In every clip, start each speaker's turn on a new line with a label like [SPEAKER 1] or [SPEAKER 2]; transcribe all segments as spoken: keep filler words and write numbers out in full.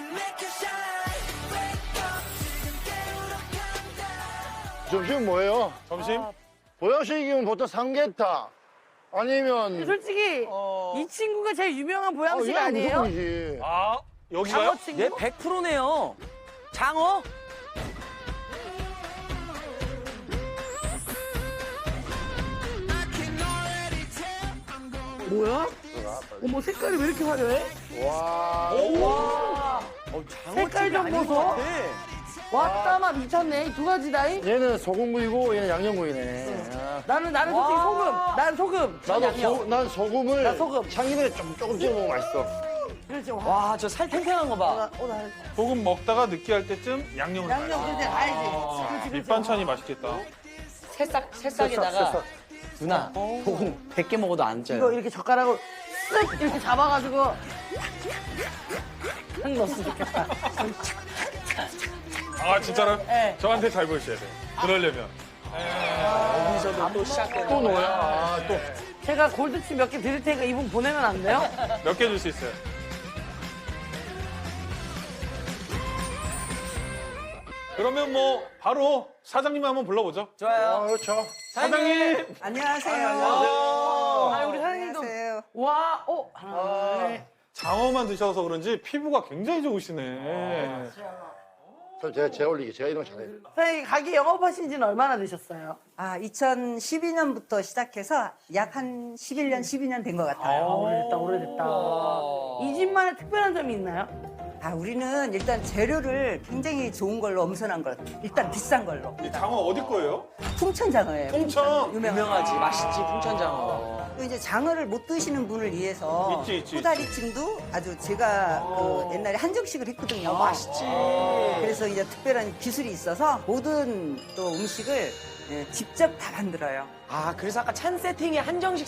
[SPEAKER 1] 점심 뭐예요?
[SPEAKER 2] 점심?
[SPEAKER 1] 보양식이면 보통 삼계탕 아니면
[SPEAKER 3] 솔직히
[SPEAKER 4] 어.
[SPEAKER 3] 이 친구가 제일 유명한 보양식
[SPEAKER 1] 아, 얘는
[SPEAKER 3] 아니에요?
[SPEAKER 1] 무조건이지.
[SPEAKER 2] 아, 여기가요?
[SPEAKER 3] 장어 친구?
[SPEAKER 4] 얘 백 퍼센트네요. 장어?
[SPEAKER 3] 뭐야? 어머 색깔이 왜 이렇게 화려해?
[SPEAKER 1] 와.
[SPEAKER 4] 와. 어,
[SPEAKER 3] 색깔 좀
[SPEAKER 4] 아닌 것
[SPEAKER 3] 보소.
[SPEAKER 4] 같아.
[SPEAKER 3] 왔다 마 미쳤네 이 두 가지다잉?
[SPEAKER 1] 얘는 소금구이고 얘는 양념구이네. 아.
[SPEAKER 3] 나는 나는 솔직히
[SPEAKER 4] 와.
[SPEAKER 3] 소금. 난 소금.
[SPEAKER 1] 나도
[SPEAKER 4] 양념.
[SPEAKER 1] 소, 난 소금을
[SPEAKER 3] 나 소금.
[SPEAKER 1] 참기름에 좀 조금 찍어 먹으면 맛있어.
[SPEAKER 3] 그렇지. 와.
[SPEAKER 4] 와, 저 살 탱탱한 거 봐.
[SPEAKER 3] 어, 나
[SPEAKER 2] 소금 먹다가 느끼할 때쯤 양념을
[SPEAKER 3] 양념
[SPEAKER 2] 넣어요.
[SPEAKER 3] 그렇지 알지.
[SPEAKER 2] 아,
[SPEAKER 3] 그렇지, 그렇지.
[SPEAKER 2] 밑반찬이 맛있겠다.
[SPEAKER 4] 새싹, 새싹에다가.
[SPEAKER 1] 새싹.
[SPEAKER 4] 누나, 소금 백 개 먹어도 안 쪄요.
[SPEAKER 3] 이거 이렇게 젓가락으로 쓱 이렇게 잡아가지고 딱 넣었으면 좋겠다.
[SPEAKER 2] 아, 진짜로?
[SPEAKER 3] 네.
[SPEAKER 2] 저한테 잘 보이셔야 돼요. 그러려면.
[SPEAKER 4] 여기서도 또 시작되는
[SPEAKER 1] 또
[SPEAKER 4] 거야.
[SPEAKER 1] 뭐야? 아, 또.
[SPEAKER 3] 제가 골드칩 몇 개 드릴 테니까 이분 보내면 안 돼요?
[SPEAKER 2] 몇 개 줄 수 있어요? 그러면 뭐 바로 사장님 한번 불러보죠.
[SPEAKER 1] 아,
[SPEAKER 4] 좋아요.
[SPEAKER 1] 그렇죠.
[SPEAKER 2] 사장님!
[SPEAKER 5] 안녕하세요.
[SPEAKER 3] 아 우리 사장님도
[SPEAKER 5] 안녕하세요.
[SPEAKER 3] 와, 어 하나, 둘,
[SPEAKER 2] 장어만 드셔서 그런지 피부가 굉장히 좋으시네.
[SPEAKER 1] 그럼 제가 재 올리기 제가 이런 거 잘해요.
[SPEAKER 3] 사장님 가게 영업하신 지는 얼마나 되셨어요?
[SPEAKER 5] 아, 이천십이 년부터 시작해서 약 한 십일 년, 십이 년 된 것 같아요.
[SPEAKER 3] 오래됐다, 오래됐다. 이 집만의 특별한 점이 있나요?
[SPEAKER 5] 아, 우리는 일단 재료를 굉장히 좋은 걸로 엄선한 걸, 일단 비싼 걸로.
[SPEAKER 2] 이 장어 어디 거예요?
[SPEAKER 5] 풍천장어예요.
[SPEAKER 2] 풍천!
[SPEAKER 5] 유명한.
[SPEAKER 4] 유명하지. 맛있지, 풍천장어.
[SPEAKER 5] 또 이제 장어를 못 드시는 분을 위해서
[SPEAKER 2] 있지, 있지,
[SPEAKER 5] 코다리찜도 아주 제가 그 옛날에 한정식을 했거든요.
[SPEAKER 4] 맛있지.
[SPEAKER 5] 그래서 이제 특별한 기술이 있어서 모든 또 음식을 예, 직접 다 만들어요.
[SPEAKER 4] 아, 그래서 아까 찬 세팅이 한정식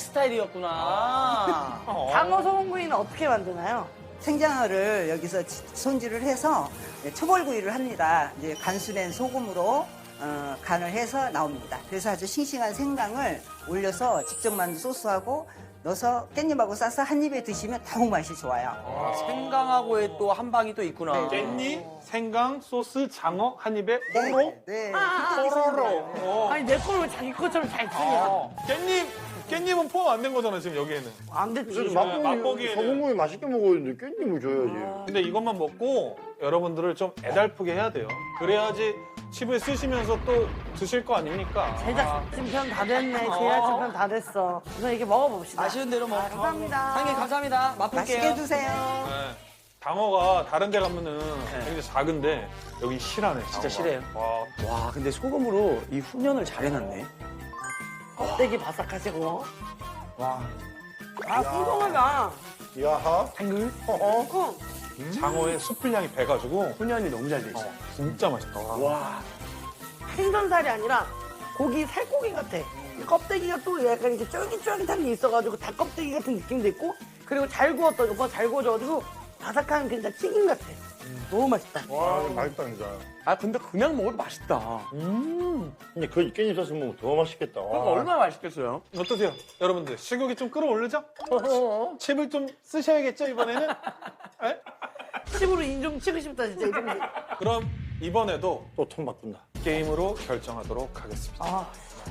[SPEAKER 4] 스타일이었구나.
[SPEAKER 3] 장어 소금구이는 어떻게 만드나요?
[SPEAKER 5] 생장어를 여기서 지- 손질을 해서 예, 초벌구이를 합니다. 이제 간수된 소금으로 어, 간을 해서 나옵니다. 그래서 아주 싱싱한 생강을 올려서 직접 만든 소스하고 넣어서 깻잎하고 싸서 한 입에 드시면 더욱 맛이 좋아요.
[SPEAKER 4] 아, 생강하고의 또 한 방이 또 있구나.
[SPEAKER 2] 깻잎, 생강, 소스, 장어 한 입에 뽀로?
[SPEAKER 5] 네.
[SPEAKER 2] 뽀로로. 어.
[SPEAKER 3] 아니 내 거를 왜 자기 것처럼 잘 쓰냐?
[SPEAKER 2] 어. 깻잎, 깻잎은 포함 안 된 거잖아, 지금 여기에는.
[SPEAKER 3] 안 됐지.
[SPEAKER 1] 그래서
[SPEAKER 2] 맛보기-
[SPEAKER 1] 맛보기
[SPEAKER 2] 맛보기에는-
[SPEAKER 1] 소금구이 맛있게 먹었는데 깻잎을 줘야지.
[SPEAKER 2] 근데 이것만 먹고 여러분들을 좀 애달프게 해야 돼요. 그래야지 칩을 쓰시면서 또 드실 거 아닙니까?
[SPEAKER 3] 제작진 편 다 됐네. 제작진 편 다 됐어. 우선 이렇게 먹어봅시다.
[SPEAKER 4] 아쉬운 대로 먹.
[SPEAKER 3] 감사합니다.
[SPEAKER 4] 상님 감사합니다. 맛볼게요.
[SPEAKER 5] 맛있게 드세요.
[SPEAKER 2] 네. 장어가 다른 데 가면은 굉장히 작은데 여기 실하네.
[SPEAKER 4] 진짜
[SPEAKER 2] 장어가.
[SPEAKER 4] 실해요.
[SPEAKER 2] 와,
[SPEAKER 4] 와, 근데 소금으로 이 훈연을 잘 해놨네.
[SPEAKER 3] 껍데기 바삭하시고.
[SPEAKER 4] 와.
[SPEAKER 3] 아, 궁금하다.
[SPEAKER 1] 야하.
[SPEAKER 4] 탱글?
[SPEAKER 1] 어?
[SPEAKER 3] 응.
[SPEAKER 2] 장어의 수풀량이 배가지고
[SPEAKER 4] 훈연이 너무 잘 돼 있어.
[SPEAKER 2] 진짜 맛있다.
[SPEAKER 4] 와.
[SPEAKER 3] 생선살이 아니라 고기 살코기 같아. 이 껍데기가 또 약간 이렇게 쫄깃쫄깃한 게 있어가지고 닭 껍데기 같은 느낌도 있고 그리고 잘 구웠다. 오빠 잘 구워져가지고 바삭한 그냥 튀김 같아. 너무 맛있다.
[SPEAKER 1] 와, 이거 맛있다, 진짜.
[SPEAKER 4] 아, 근데 그냥 먹어도 맛있다. 음.
[SPEAKER 1] 근데 그 깻잎 소스 먹으면 더 맛있겠다.
[SPEAKER 4] 그럼 얼마나 맛있겠어요?
[SPEAKER 2] 어떠세요? 여러분들 식욕이 좀 끌어올르죠? 칩을 좀 쓰셔야겠죠, 이번에는? 에?
[SPEAKER 3] 칩으로 인좀 치고 싶다 진짜. 이 정도.
[SPEAKER 2] 그럼 이번에도
[SPEAKER 1] 또 톤 바꾼다.
[SPEAKER 2] 게임으로 결정하도록 하겠습니다.
[SPEAKER 3] 아,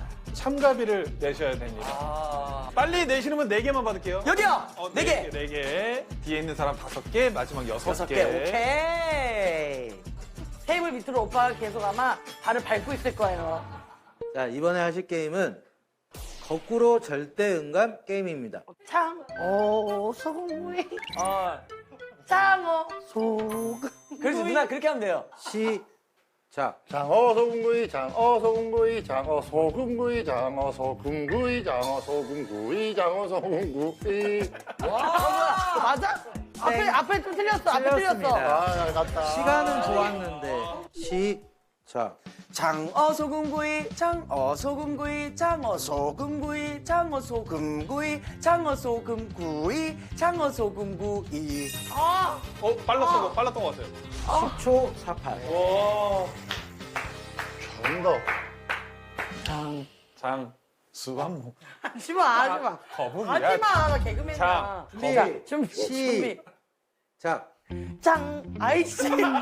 [SPEAKER 2] 참가비를 내셔야 됩니다.
[SPEAKER 4] 아.
[SPEAKER 2] 빨리 내시면 네 개만 받을게요.
[SPEAKER 4] 여기요!
[SPEAKER 2] 어,
[SPEAKER 4] 네 개!
[SPEAKER 2] 네 개. 뒤에 있는 사람 다섯 개, 마지막 여섯
[SPEAKER 4] 여섯
[SPEAKER 2] 개.
[SPEAKER 4] 개. 오케이.
[SPEAKER 3] 테이블 밑으로 오빠가 계속 아마 발을 밟고 있을 거예요.
[SPEAKER 6] 자, 이번에 하실 게임은 거꾸로 절대 음감 게임입니다.
[SPEAKER 3] 장어 소금구이
[SPEAKER 4] 아,
[SPEAKER 3] 장어 소금구이.
[SPEAKER 4] 그래서 누나 그렇게 하면 돼요.
[SPEAKER 6] 시작.
[SPEAKER 1] 장어 소금구이, 장어 소금구이, 장어 소금구이, 장어 소금구이, 장어 소금구이, 장어 소금구이.
[SPEAKER 3] 와, 맞아? 앞에 앞에 좀 틀렸어. 앞에 틀렸어.
[SPEAKER 6] 틀렸습니다.
[SPEAKER 1] 아, 잘 갔다.
[SPEAKER 6] 시간은 좋았는데 시작.
[SPEAKER 4] 장어 소금구이, 장어 소금구이, 장어 소금구이, 장어 소금구이, 장어 소금구이, 장어 소금구이.
[SPEAKER 3] 아,
[SPEAKER 2] 어, 빨랐어, 어. 빨랐던 것 같아요.
[SPEAKER 6] 십 초 사팔.
[SPEAKER 2] 와.
[SPEAKER 1] 잘한다.
[SPEAKER 3] 장.
[SPEAKER 2] 장, 수완목,
[SPEAKER 3] 하지 마, 하지 마.
[SPEAKER 2] 거북이야.
[SPEAKER 3] 하지 마, 나 개그맨이야.
[SPEAKER 2] 장,
[SPEAKER 3] 준비, 준비, 준비.
[SPEAKER 6] 시작.
[SPEAKER 3] 짱 아이씨.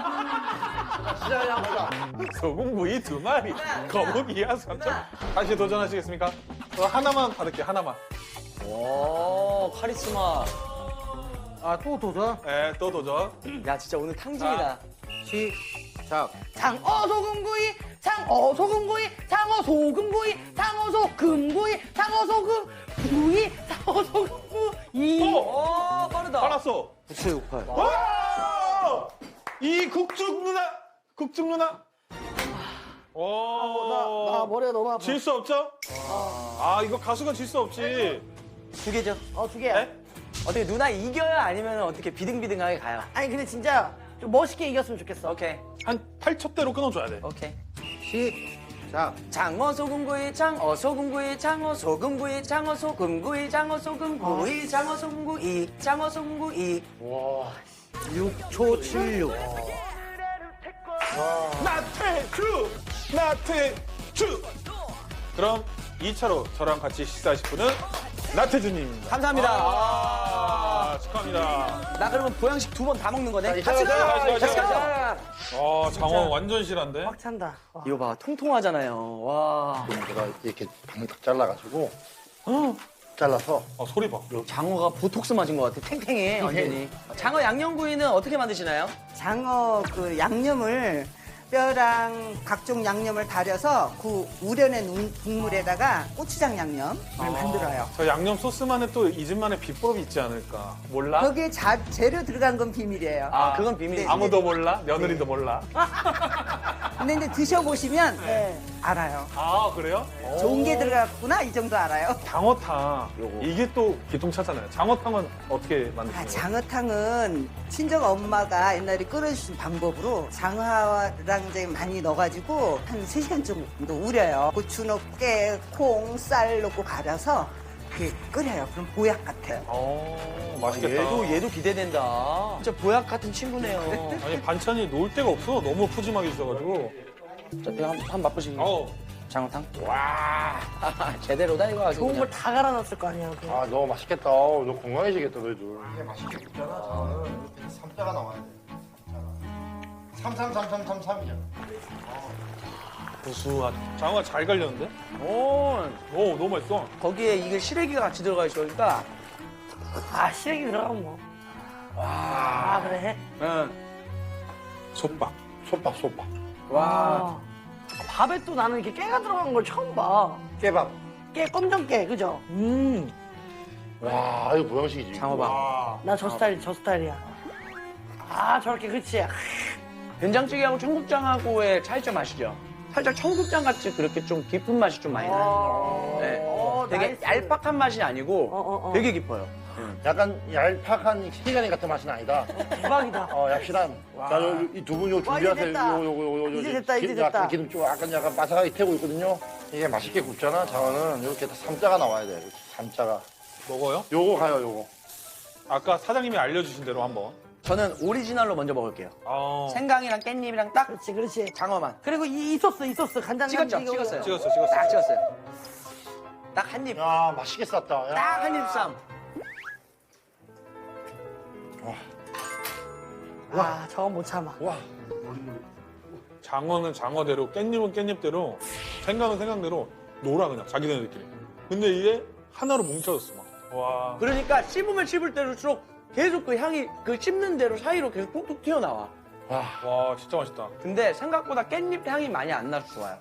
[SPEAKER 2] 소금구이 두 마리, 거북이야 삼천. 다시 도전하시겠습니까? 저 하나만 받을게요, 하나만.
[SPEAKER 4] 오, 카리스마.
[SPEAKER 6] 아, 또 도전?
[SPEAKER 2] 네, 또 도전.
[SPEAKER 4] 야, 진짜 오늘 탕진이다.
[SPEAKER 6] 시작.
[SPEAKER 3] 장어 소금구이, 장어 소금구이, 장어 소금구이, 장어 소금구이, 장어 소금구이, 장어 소금구이.
[SPEAKER 2] 어,
[SPEAKER 4] 오, 빠르다.
[SPEAKER 2] 알았어.
[SPEAKER 6] 구칠육팔.
[SPEAKER 2] 와! 이 국죽 누나, 국죽 누나. 오,
[SPEAKER 3] 나, 나 머리가 너무 아파.
[SPEAKER 2] 질 수 없죠? 아, 이거 가수가 질 수 없지.
[SPEAKER 4] 두 개죠.
[SPEAKER 3] 어, 두 개야.
[SPEAKER 2] 네?
[SPEAKER 4] 어떻게 누나 이겨요? 아니면 어떻게 비등비등하게 가요?
[SPEAKER 3] 아니, 근데 진짜 좀 멋있게 이겼으면 좋겠어.
[SPEAKER 4] 오케이,
[SPEAKER 2] 한 팔 첩대로 끊어줘야 돼.
[SPEAKER 4] 오케이.
[SPEAKER 6] 시작.
[SPEAKER 4] 장어 소금구이, 장어 소금구이, 장어 소금구이, 장어 소금구이, 장어 소금구이, 장어 소금구이, 장어 소금구이.
[SPEAKER 6] 육 초 칠육.
[SPEAKER 2] 나태주! 나태주! 그럼 이 차로 저랑 같이 식사하실 분은 나태주님입니다.
[SPEAKER 4] 감사합니다.
[SPEAKER 2] 아, 축하합니다.
[SPEAKER 4] 나 그러면 보양식 두 번 다 먹는 거네?
[SPEAKER 1] 자,
[SPEAKER 4] 같이
[SPEAKER 1] 자,
[SPEAKER 4] 가!
[SPEAKER 2] 자, 자,
[SPEAKER 4] 같이
[SPEAKER 2] 자,
[SPEAKER 4] 가!
[SPEAKER 2] 아, 장어 완전 실한데?
[SPEAKER 3] 꽉 찬다. 와.
[SPEAKER 4] 이거 봐, 통통하잖아요. 와.
[SPEAKER 1] 제가 이렇게 방을 딱 잘라가지고 잘라서
[SPEAKER 2] 아, 소리 봐.
[SPEAKER 4] 장어가 보톡스 맞은 것 같아. 탱탱해, 완전히. 장어 양념구이는 어떻게 만드시나요?
[SPEAKER 5] 장어 그 양념을 뼈랑 각종 양념을 달여서 그 우려낸 우- 국물에다가 고추장 양념을 만들어요.
[SPEAKER 2] 저 양념 소스만의 또 이 집만의 비법이 있지 않을까? 몰라?
[SPEAKER 5] 거기에 자, 재료 들어간 건 비밀이에요.
[SPEAKER 4] 아, 그건 비밀이지.
[SPEAKER 2] 아무도 몰라? 며느리도 몰라?
[SPEAKER 5] 근데 이제 드셔보시면
[SPEAKER 3] 네.
[SPEAKER 5] 알아요.
[SPEAKER 2] 아, 그래요?
[SPEAKER 5] 좋은 게 들어갔구나 이 정도 알아요.
[SPEAKER 2] 장어탕. 이게 또 기통차잖아요. 장어탕은 어떻게
[SPEAKER 5] 아,
[SPEAKER 2] 만드시나요?
[SPEAKER 5] 장어탕은 친정 엄마가 옛날에 끓여주신 방법으로 장어랑 이제 많이 넣어가지고 한 세 시간 정도 우려요. 고추 넣고 깨, 콩, 쌀 넣고 갈아서 이렇게 끓여요. 그럼 보약 같아요.
[SPEAKER 2] 어, 맛있겠다.
[SPEAKER 4] 얘도, 얘도 기대된다. 진짜 보약 같은 친구네요.
[SPEAKER 2] 아니, 반찬이 놓을 데가 없어. 너무 푸짐하게 주셔가지고.
[SPEAKER 4] 자, 한, 한 맛보시겠어요?
[SPEAKER 2] 어,
[SPEAKER 4] 장어탕? 와. 제대로다, 이거 아주.
[SPEAKER 3] 좋은
[SPEAKER 4] 그냥.
[SPEAKER 3] 걸 다 갈아놨을 거 아니야. 그.
[SPEAKER 1] 아 너무 맛있겠다. 어, 너 건강해지겠다 너희들. 이게 맛있게 굽잖아. 장어는 이렇게 삼자가 나와야 돼. 삼삼삼삼삼삼이잖아.
[SPEAKER 2] 고수한. 장어가 잘 갈렸는데?
[SPEAKER 4] 오,
[SPEAKER 2] 오, 너무 맛있어.
[SPEAKER 4] 거기에 이게 시래기가 같이 들어가 있으니까.
[SPEAKER 3] 아, 시래기 들어가면 뭐. 아, 그래?
[SPEAKER 4] 응.
[SPEAKER 2] 솥밥.
[SPEAKER 1] 솥밥 솥밥.
[SPEAKER 4] 와.
[SPEAKER 3] 아. 밥에 또 나는 이렇게 깨가 들어간 걸 처음 봐.
[SPEAKER 1] 깨밥.
[SPEAKER 3] 깨, 검정깨, 그죠?
[SPEAKER 2] 음.
[SPEAKER 1] 와 이거 보양식이지.
[SPEAKER 4] 장어밥.
[SPEAKER 2] 와.
[SPEAKER 3] 나 저 스타일, 저 스타일이야. 아, 저렇게, 그치.
[SPEAKER 4] 된장찌개하고 청국장하고의 차이점 아시죠? 살짝 청국장 같이 그렇게 좀 깊은 맛이 좀 많이 나요.
[SPEAKER 3] 어,
[SPEAKER 4] 네.
[SPEAKER 3] 어,
[SPEAKER 4] 되게
[SPEAKER 3] 나이스.
[SPEAKER 4] 얄팍한 맛이 아니고
[SPEAKER 3] 어, 어, 어.
[SPEAKER 4] 되게 깊어요.
[SPEAKER 1] 약간 얄팍한 시리가니 같은 맛은 아니다.
[SPEAKER 3] 대박이다.
[SPEAKER 1] 어 얍실한. 자이두 분 요
[SPEAKER 3] 와, 이제
[SPEAKER 1] 준비하세요.
[SPEAKER 3] 됐다.
[SPEAKER 1] 요, 요, 요, 요, 요,
[SPEAKER 3] 이제 됐다, 이제
[SPEAKER 1] 기름
[SPEAKER 3] 됐다.
[SPEAKER 1] 약간 기름 좀 약간 약간 바삭하게 태우고 있거든요. 이게 맛있게 굽잖아. 장어는 이렇게 다 삼자가 나와야 돼. 이렇게 삼자가.
[SPEAKER 2] 먹어요?
[SPEAKER 1] 요거 가요 요거.
[SPEAKER 2] 아까 사장님이 알려주신 대로 한번.
[SPEAKER 4] 저는 오리지널로 먼저 먹을게요.
[SPEAKER 2] 어.
[SPEAKER 4] 생강이랑 깻잎이랑 딱
[SPEAKER 3] 그렇지, 그렇지.
[SPEAKER 4] 장어만.
[SPEAKER 3] 그리고 이, 이 소스, 이 소스. 간장
[SPEAKER 4] 찍었죠? 찍었어요.
[SPEAKER 2] 찍었어, 찍었어.
[SPEAKER 4] 딱 찍었어요. 딱 한 입.
[SPEAKER 1] 야 맛있게 쌌다. 야.
[SPEAKER 4] 딱 한 입 쌈.
[SPEAKER 3] 와, 저건 못 참아.
[SPEAKER 1] 와.
[SPEAKER 2] 장어는 장어대로, 깻잎은 깻잎대로, 생강은 생강대로 놀아 그냥 자기네들끼리. 근데 이게 하나로 뭉쳐졌어 막. 와.
[SPEAKER 4] 그러니까 씹으면 씹을 때일수록 계속 그 향이 그 씹는 대로 사이로 계속 톡톡 튀어나와.
[SPEAKER 1] 와.
[SPEAKER 2] 와, 진짜 맛있다.
[SPEAKER 4] 근데 생각보다 깻잎 향이 많이 안 나서 좋아요.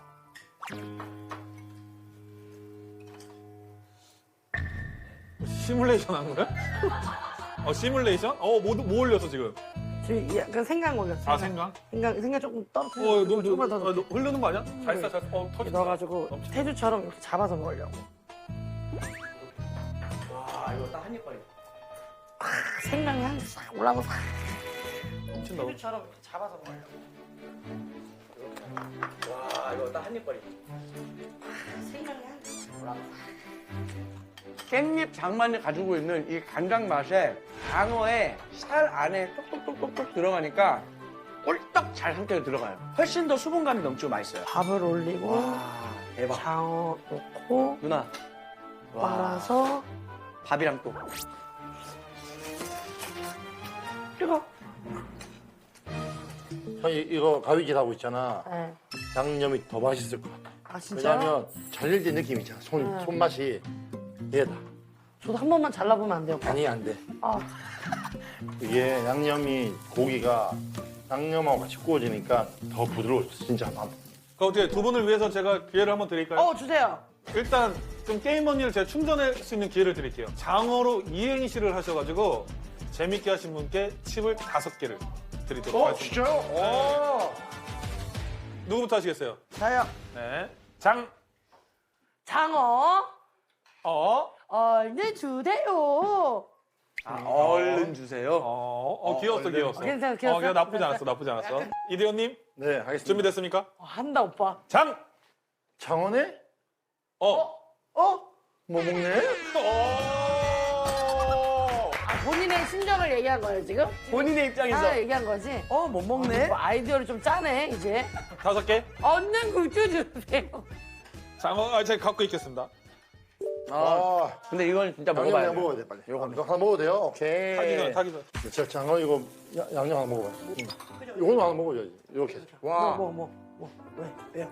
[SPEAKER 2] 시뮬레이션 한 거야? 어, 시뮬레이션? 어, 뭐, 뭐 올렸어 지금?
[SPEAKER 3] 지금 약간 생강 올렸어.
[SPEAKER 2] 아, 생강?
[SPEAKER 3] 생강, 생강 조금
[SPEAKER 2] 어,
[SPEAKER 3] 떨어뜨려.
[SPEAKER 2] 너, 너,
[SPEAKER 3] 조금만
[SPEAKER 2] 너,
[SPEAKER 3] 더
[SPEAKER 2] 너, 흐르는 거 아니야? 잘 써, 잘 써. 어,
[SPEAKER 3] 이렇게
[SPEAKER 2] 터진다.
[SPEAKER 3] 넣어가지고
[SPEAKER 2] 넘쳐.
[SPEAKER 3] 태주처럼 이렇게 잡아서 먹으려고.
[SPEAKER 4] 와, 이거 딱 한 입 거리.
[SPEAKER 3] 아, 생강 향이 싹 올라가서 싹.
[SPEAKER 2] 넘친다.
[SPEAKER 3] 태주처럼 이렇게 잡아서 먹으려고.
[SPEAKER 4] 와, 이거 딱 한 입 거리.
[SPEAKER 3] 생강 향이 싹 올라가서
[SPEAKER 4] 깻잎 장만이 가지고 있는 이 간장 맛에 장어에 살 안에 똑똑똑똑똑 들어가니까 꿀떡 잘 함께 들어가요. 훨씬 더 수분감이 넘치고 맛있어요.
[SPEAKER 3] 밥을 올리고
[SPEAKER 4] 와, 대박.
[SPEAKER 3] 장어 넣고
[SPEAKER 4] 누나. 와,
[SPEAKER 3] 말아서
[SPEAKER 4] 밥이랑 또.
[SPEAKER 3] 뜨거.
[SPEAKER 1] 형 이- 이거 가위질 하고 있잖아.
[SPEAKER 3] 네.
[SPEAKER 1] 양념이 더 맛있을 것 같아.
[SPEAKER 3] 아 진짜요?
[SPEAKER 1] 왜냐면 잘릴때 느낌 있잖아. 손
[SPEAKER 3] 네.
[SPEAKER 1] 손맛이 얘다.
[SPEAKER 3] 저도 한 번만 잘라보면 안 돼요? 오빠?
[SPEAKER 1] 아니 안 돼.
[SPEAKER 3] 아,
[SPEAKER 1] 이게 양념이 고기가 양념하고 같이 구워지니까 더 부드러워졌어. 진짜.
[SPEAKER 2] 그럼 어떻게 두 분을 위해서 제가 기회를 한번 드릴까요?
[SPEAKER 3] 어 주세요.
[SPEAKER 2] 일단 좀 게임 언니를 제가 충전할 수 있는 기회를 드릴게요. 장어로 이행시를 하셔가지고 재밌게 하신 분께 칩을 다섯 개를 드리도록
[SPEAKER 1] 어
[SPEAKER 2] 하겠습니다.
[SPEAKER 1] 진짜요? 오.
[SPEAKER 2] 누구부터 하시겠어요?
[SPEAKER 3] 저요.
[SPEAKER 2] 네. 장,
[SPEAKER 3] 장어
[SPEAKER 2] 어,
[SPEAKER 3] 얼른 주세요.
[SPEAKER 4] 아, 얼른 주세요.
[SPEAKER 2] 어, 어, 귀여웠어, 귀여웠어.
[SPEAKER 3] 괜찮아, 귀여웠어?
[SPEAKER 2] 어, 나쁘지 않았어, 나쁘지 않았어. 이대현님,
[SPEAKER 1] 네 하겠습니다.
[SPEAKER 2] 준비됐습니까?
[SPEAKER 3] 어, 한다 오빠.
[SPEAKER 2] 장,
[SPEAKER 1] 장어네?
[SPEAKER 2] 어,
[SPEAKER 3] 어?
[SPEAKER 1] 뭐 먹네?
[SPEAKER 2] 어.
[SPEAKER 3] 아, 본인의 심정을 얘기한 거예요 지금?
[SPEAKER 4] 본인의 입장에서.
[SPEAKER 3] 아 얘기한 거지?
[SPEAKER 4] 어, 못 먹네?
[SPEAKER 3] 뭐 아이디어를 좀 짜네 이제.
[SPEAKER 2] 다섯 개.
[SPEAKER 3] 얼른 굴주 주세요.
[SPEAKER 2] 장어, 아, 제가 갖고 있겠습니다.
[SPEAKER 4] 아,
[SPEAKER 1] 아,
[SPEAKER 4] 근데 이건 진짜
[SPEAKER 1] 양념
[SPEAKER 4] 먹어봐야
[SPEAKER 1] 그냥
[SPEAKER 4] 돼.
[SPEAKER 1] 먹어야 돼 빨리. 이거 하나 먹어도 돼요? 오케이.
[SPEAKER 2] 타기 전에, 타기 전에.
[SPEAKER 1] 저 장어 이거 야- 양념 하나 먹어봐. 이거는 하나 먹어야지. 이렇게. 와.
[SPEAKER 3] 뭐 뭐 뭐 왜 왜요?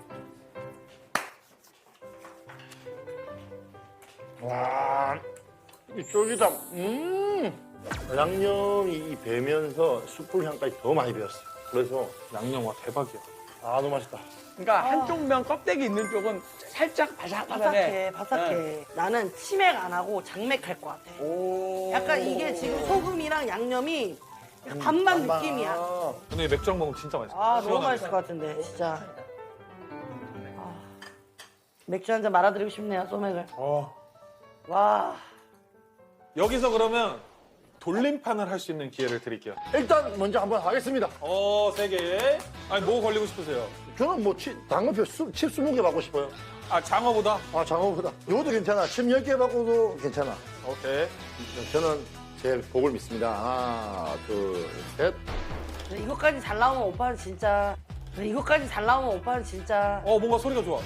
[SPEAKER 1] 와. 이 쫄깃함. 음. 양념이 이 배면서 숯불 향까지 더 많이 배었어. 그래서
[SPEAKER 2] 양념 와 대박이야.
[SPEAKER 1] 아 너무 맛있다.
[SPEAKER 4] 그러니까 한쪽 면 껍데기 있는 쪽은 살짝 바삭바삭해.
[SPEAKER 3] 바삭해 바삭해. 나는 치맥 안 하고 장맥 할 것 같아.
[SPEAKER 4] 오.
[SPEAKER 3] 약간 이게 지금 소금이랑 양념이 약간 반반
[SPEAKER 1] 반반.
[SPEAKER 3] 느낌이야.
[SPEAKER 1] 아.
[SPEAKER 2] 근데 이 맥주랑 먹으면 진짜 맛있어.
[SPEAKER 3] 아 너무
[SPEAKER 2] 시원하게.
[SPEAKER 3] 맛있을 것 같은데 진짜. 아, 맥주 한 잔 말아드리고 싶네요 소맥을.
[SPEAKER 2] 어.
[SPEAKER 3] 와.
[SPEAKER 2] 여기서 그러면 돌림판을 할 수 있는 기회를 드릴게요.
[SPEAKER 1] 일단 먼저 한번 하겠습니다.
[SPEAKER 2] 어, 세 개. 아니, 뭐 걸리고 싶으세요?
[SPEAKER 1] 저는 뭐 치, 당근표 수, 칩 스무 개 받고 싶어요.
[SPEAKER 2] 아, 장어보다?
[SPEAKER 1] 아 장어보다. 이것도 괜찮아. 칩 열 개 받고도 괜찮아.
[SPEAKER 2] 오케이.
[SPEAKER 1] 저는 제 복을 믿습니다. 하나, 둘, 셋.
[SPEAKER 3] 근데 이것까지 잘 나오면 오빠는 진짜. 근데 이것까지 잘 나오면 오빠는 진짜.
[SPEAKER 2] 어, 뭔가 소리가 좋아.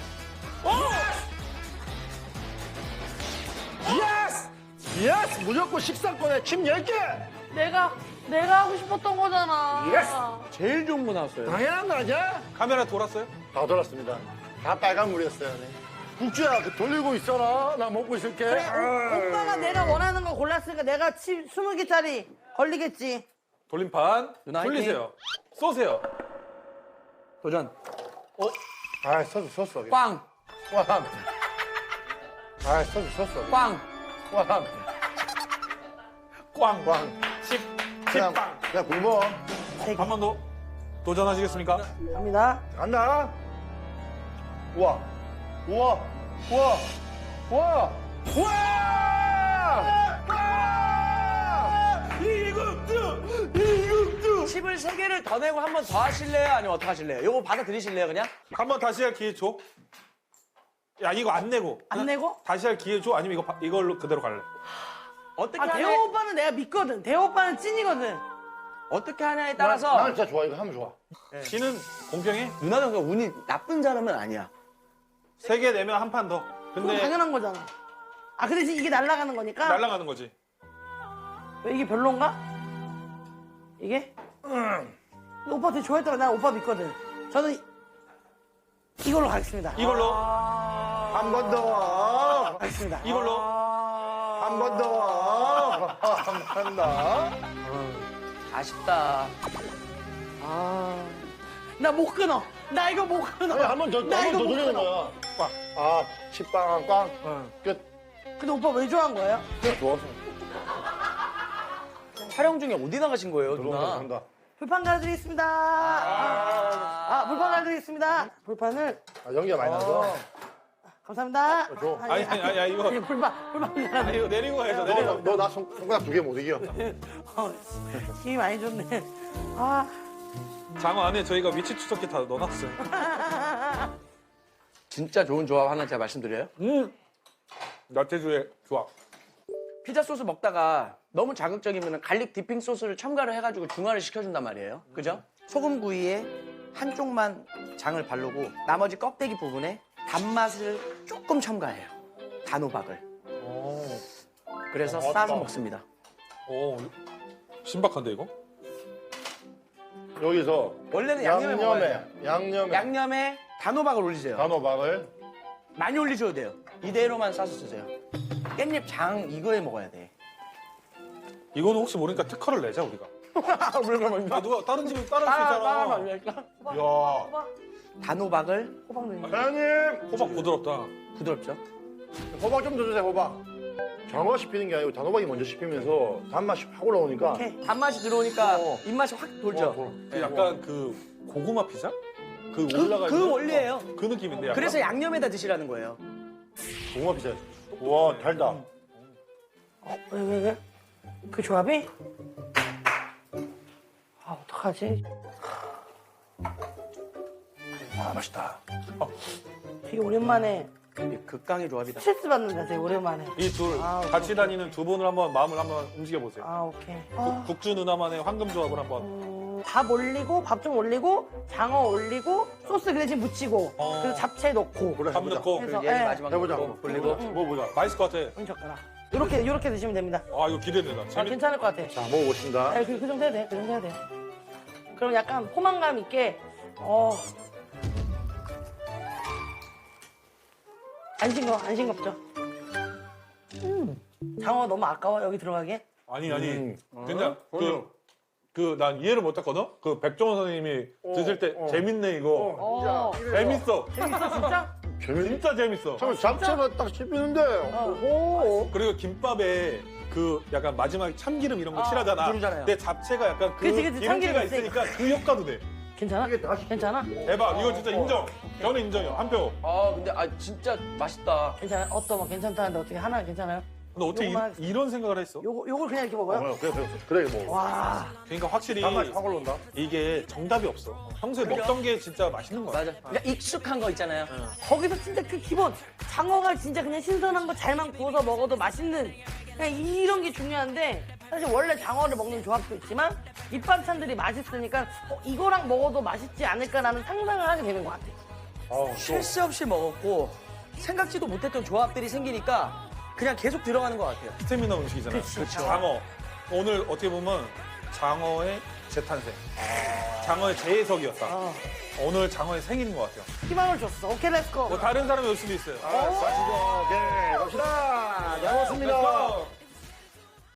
[SPEAKER 1] 예스! 예스! 무조건 식사권에 칩 열 개!
[SPEAKER 3] 내가 내가 하고 싶었던 거잖아.
[SPEAKER 1] 예스!
[SPEAKER 4] 제일 좋은 거 나왔어요.
[SPEAKER 1] 당연한 거 아니야?
[SPEAKER 2] 카메라 돌았어요?
[SPEAKER 1] 다 돌았습니다. 다 빨간물이었어요. 네. 국주야, 그 돌리고 있어라. 나 먹고 있을게.
[SPEAKER 3] 그래, 오, 오빠가 내가 원하는 거 골랐으니까 내가 칩 스무 개짜리 걸리겠지.
[SPEAKER 2] 돌림판.
[SPEAKER 4] 누나
[SPEAKER 2] 돌리세요. 쏘세요.
[SPEAKER 4] 도전.
[SPEAKER 1] 아, 소스, 소스.
[SPEAKER 4] 꽝!
[SPEAKER 1] 꽝. 아, 소스, 소스.
[SPEAKER 4] 꽝!
[SPEAKER 1] 꽝.
[SPEAKER 2] 꽝.
[SPEAKER 1] 꽝.
[SPEAKER 2] 칩.
[SPEAKER 1] 그냥,
[SPEAKER 2] 칩빵.
[SPEAKER 1] 그냥 굶어.
[SPEAKER 2] 한 번 더. 도전하시겠습니까?
[SPEAKER 3] 갑니다.
[SPEAKER 1] 간다. 우와. 우와. 우와. 우와. 우와! 와! 이국주! 이국주!
[SPEAKER 4] 칩을 세 개를 더 내고 한 번 더 하실래요? 아니면 어떻게 하실래요? 요거 받아들이실래요, 그냥?
[SPEAKER 2] 한 번 다시 할 기회 줘. 야, 이거 안 내고.
[SPEAKER 3] 안 내고?
[SPEAKER 2] 다시 할 기회 줘? 아니면 이거 바- 이걸로 그대로 갈래?
[SPEAKER 4] 어떻게
[SPEAKER 3] 아 대호
[SPEAKER 4] 하냐,
[SPEAKER 3] 오빠는 내가 믿거든. 대호 오빠는 찐이거든.
[SPEAKER 4] 어떻게 하냐에
[SPEAKER 1] 나,
[SPEAKER 4] 따라서
[SPEAKER 1] 나는 진짜 좋아. 이거 하면 좋아.
[SPEAKER 2] 지는 공평해.
[SPEAKER 4] 누나는 그 운이 나쁜 사람은 아니야.
[SPEAKER 2] 세 개 내면 한 판 더.
[SPEAKER 3] 그건
[SPEAKER 2] 근데
[SPEAKER 3] 당연한 거잖아. 아 근데 지금 이게 날아가는 거니까.
[SPEAKER 2] 날아가는 거지.
[SPEAKER 3] 왜 이게 별론가? 이게? 근데 오빠 되게 좋아했다고 난 오빠 믿거든. 저는 이- 이걸로 가겠습니다.
[SPEAKER 2] 이걸로.
[SPEAKER 1] 한 번 더.
[SPEAKER 3] 가겠습니다.
[SPEAKER 2] 이걸로.
[SPEAKER 1] 한 번 더. 한 번 더.
[SPEAKER 4] 아쉽다.
[SPEAKER 3] 아, 나 못 끊어. 나 이거 못 끊어.
[SPEAKER 1] 아니, 한 번 더, 한
[SPEAKER 3] 나
[SPEAKER 1] 번
[SPEAKER 3] 이거
[SPEAKER 1] 더
[SPEAKER 3] 못
[SPEAKER 1] 돌리는
[SPEAKER 3] 끊어.
[SPEAKER 1] 거야.
[SPEAKER 2] 꽝.
[SPEAKER 1] 아, 식빵, 꽝. 끝.
[SPEAKER 3] 근데 오빠 왜 좋아한 거예요?
[SPEAKER 1] 그냥 좋아서.
[SPEAKER 4] 촬영 중에 어디 나가신 거예요,
[SPEAKER 1] 들어온다,
[SPEAKER 4] 누나?
[SPEAKER 1] 들어온다.
[SPEAKER 3] 불판 갈아드리겠습니다. 아, 아, 불판 갈아드리겠습니다. 불판을
[SPEAKER 1] 아, 연기가 많이 나서.
[SPEAKER 3] 감사합니다.
[SPEAKER 1] 줘.
[SPEAKER 2] 아니, 아니, 아니, 아니, 이거.
[SPEAKER 3] 예, 불판, 불판
[SPEAKER 2] 아니,
[SPEAKER 3] 갈아드리.
[SPEAKER 2] 이거 내리고 가야죠, 내리고.
[SPEAKER 1] 너 나 손가락 두 개 못 이겨.
[SPEAKER 3] 어, 힘이 많이 좋네. 아,
[SPEAKER 2] 장어 안에 저희가 위치 추적기 다 넣어놨어요.
[SPEAKER 4] 진짜 좋은 조합 하나 제가 말씀드려요.
[SPEAKER 2] 음. 야채주에 좋아.
[SPEAKER 4] 피자 소스 먹다가 너무 자극적이면 갈릭 디핑 소스를 첨가를 해가지고 중화를 시켜준단 말이에요. 그죠? 소금 구이에 한쪽만 장을 바르고 나머지 껍데기 부분에 단맛을 조금 첨가해요. 단호박을.
[SPEAKER 2] 오.
[SPEAKER 4] 그래서
[SPEAKER 1] 어,
[SPEAKER 4] 싸서
[SPEAKER 1] 맞다.
[SPEAKER 4] 먹습니다.
[SPEAKER 2] 오. 신박한데, 이거?
[SPEAKER 1] 여기서
[SPEAKER 4] 원래는 양념에 먹어야 돼요.
[SPEAKER 1] 양념에
[SPEAKER 4] 양념에 단호박을 올리세요.
[SPEAKER 1] 단호박을
[SPEAKER 4] 많이 올리셔도 돼요. 이대로만 싸서 쓰세요. 깻잎 장 이거에 먹어야 돼.
[SPEAKER 2] 이거는 혹시 모르니까 특허를 내자 우리가.
[SPEAKER 4] 물건
[SPEAKER 2] 아 누가 다른 집에 따를 수
[SPEAKER 4] 따라
[SPEAKER 2] 있잖아.
[SPEAKER 4] 말릴까?
[SPEAKER 2] 야,
[SPEAKER 4] 단호박을
[SPEAKER 3] 호박 넣는 거.
[SPEAKER 1] 사장님
[SPEAKER 2] 호박 부드럽다.
[SPEAKER 4] 부드럽죠.
[SPEAKER 1] 호박 좀 더 주세요 호박. 장어가 씹히는 게 아니고 단호박이 먼저 씹히면서 단맛이 확 올라오니까
[SPEAKER 3] 오케이.
[SPEAKER 4] 단맛이 들어오니까
[SPEAKER 1] 어.
[SPEAKER 4] 입맛이 확 돌죠.
[SPEAKER 1] 어,
[SPEAKER 2] 그 약간 그 고구마 피자? 그
[SPEAKER 4] 그,
[SPEAKER 2] 올라가
[SPEAKER 4] 그
[SPEAKER 2] 있는
[SPEAKER 4] 원리예요.
[SPEAKER 2] 어, 그 느낌인데 약간.
[SPEAKER 4] 그래서 양념에다 드시라는 거예요.
[SPEAKER 1] 고구마 피자. 와 달다.
[SPEAKER 3] 어, 왜, 왜, 왜? 그 조합이? 아, 어떡하지?
[SPEAKER 2] 아 맛있다.
[SPEAKER 3] 되게 오랜만에
[SPEAKER 4] 이게 극강의 조합이다.
[SPEAKER 3] 스트레스 받는다, 되게 오랜만에.
[SPEAKER 2] 이 둘
[SPEAKER 3] 아,
[SPEAKER 2] 같이 다니는 두 분을 한번 마음을 한번 움직여 보세요.
[SPEAKER 3] 아, 오케이. 아,
[SPEAKER 2] 국주 누나만의 황금 조합을 한번.
[SPEAKER 3] 음, 밥 올리고, 밥 좀 올리고, 장어 올리고, 소스 그 대신 묻히고,
[SPEAKER 2] 어.
[SPEAKER 3] 그리고 잡채 넣고.
[SPEAKER 1] 그래
[SPEAKER 2] 밥
[SPEAKER 1] 해보자.
[SPEAKER 2] 넣고.
[SPEAKER 3] 그래서,
[SPEAKER 4] 그리고 얘는
[SPEAKER 3] 예.
[SPEAKER 4] 마지막
[SPEAKER 1] 해보자.
[SPEAKER 4] 넣고.
[SPEAKER 1] 그리고 뭐 보자.
[SPEAKER 2] 맛있을 것 같아.
[SPEAKER 3] 은 젓가락. 이렇게, 이렇게 드시면 됩니다.
[SPEAKER 2] 아 이거 기대된다.
[SPEAKER 3] 아,
[SPEAKER 2] 재밌.
[SPEAKER 3] 괜찮을 것 같아.
[SPEAKER 1] 자 먹어보겠습니다.
[SPEAKER 3] 네, 그, 그 정도 해야 돼. 그 정도 해야 돼. 그럼 약간 포만감 있게, 어. 안 싱거, 안 싱겁죠? 음. 장어 너무 아까워, 여기 들어가게?
[SPEAKER 2] 아니 아니.
[SPEAKER 1] 음.
[SPEAKER 2] 그냥 그 그 난 이해를 못했거든. 그 백종원 선생님이 드실 때
[SPEAKER 1] 어.
[SPEAKER 2] 재밌네 이거.
[SPEAKER 3] 어.
[SPEAKER 2] 재밌어.
[SPEAKER 3] 재밌어, 진짜?
[SPEAKER 1] 재밌.
[SPEAKER 2] 진짜 재밌어.
[SPEAKER 1] 참 잡채가 딱 씹히는데. 오.
[SPEAKER 2] 그리고 김밥에 그 약간 마지막에 참기름 이런 거
[SPEAKER 3] 아,
[SPEAKER 2] 칠하잖아.
[SPEAKER 4] 누르잖아요.
[SPEAKER 2] 근데 잡채가 약간 그
[SPEAKER 3] 그치, 그치, 참기름
[SPEAKER 2] 기름기가 있으니까 그 효과도 돼.
[SPEAKER 3] 괜찮아? 괜찮아?
[SPEAKER 2] 대박. 이거 진짜 인정. 저는 인정이요. 한 표.
[SPEAKER 4] 아 근데 아 진짜 맛있다.
[SPEAKER 3] 괜찮아? 어떤 뭐 괜찮다는데 어떻게 하나 괜찮아요?
[SPEAKER 2] 근데 어떻게 이,
[SPEAKER 3] 요거만-
[SPEAKER 2] 이런 생각을 했어?
[SPEAKER 3] 요거, 요걸 그냥 이렇게 먹어요?
[SPEAKER 1] 어, 그래 그래 그래 뭐.
[SPEAKER 3] 와.
[SPEAKER 2] 그러니까 확실히
[SPEAKER 1] 단맛이 확 올라온다.
[SPEAKER 2] 이게 정답이 없어. 평소에 먹던 게 진짜 맛있는 거야.
[SPEAKER 4] 맞아. 그러니까 익숙한 거 있잖아요.
[SPEAKER 3] 거기서 진짜 그 기본 장어가 진짜 그냥 신선한 거 잘만 구워서 먹어도 맛있는 그냥 이런 게 중요한데 사실 원래 장어를 먹는 조합도 있지만 밑반찬들이 맛있으니까 어, 이거랑 먹어도 맛있지 않을까라는 상상을 하게 되는 것 같아.
[SPEAKER 1] 아,
[SPEAKER 4] 쉴 새 없이 먹었고 생각지도 못했던 조합들이 생기니까 그냥 계속 들어가는 것 같아요.
[SPEAKER 2] 스테미나 음식이잖아요.
[SPEAKER 3] 그치.
[SPEAKER 2] 장어. 오늘 어떻게 보면 장어의 재탄생. 장어의 재해석이었다.
[SPEAKER 3] 어.
[SPEAKER 2] 오늘 장어의 생일인 것 같아요.
[SPEAKER 3] 희망을 줬어. 오케이, 렛츠고.
[SPEAKER 2] 뭐 다른 사람이 올 수도 있어요.
[SPEAKER 1] 아, 가시죠. 오케이 갑시다. 잘 먹었습니다.
[SPEAKER 2] 렛츠고!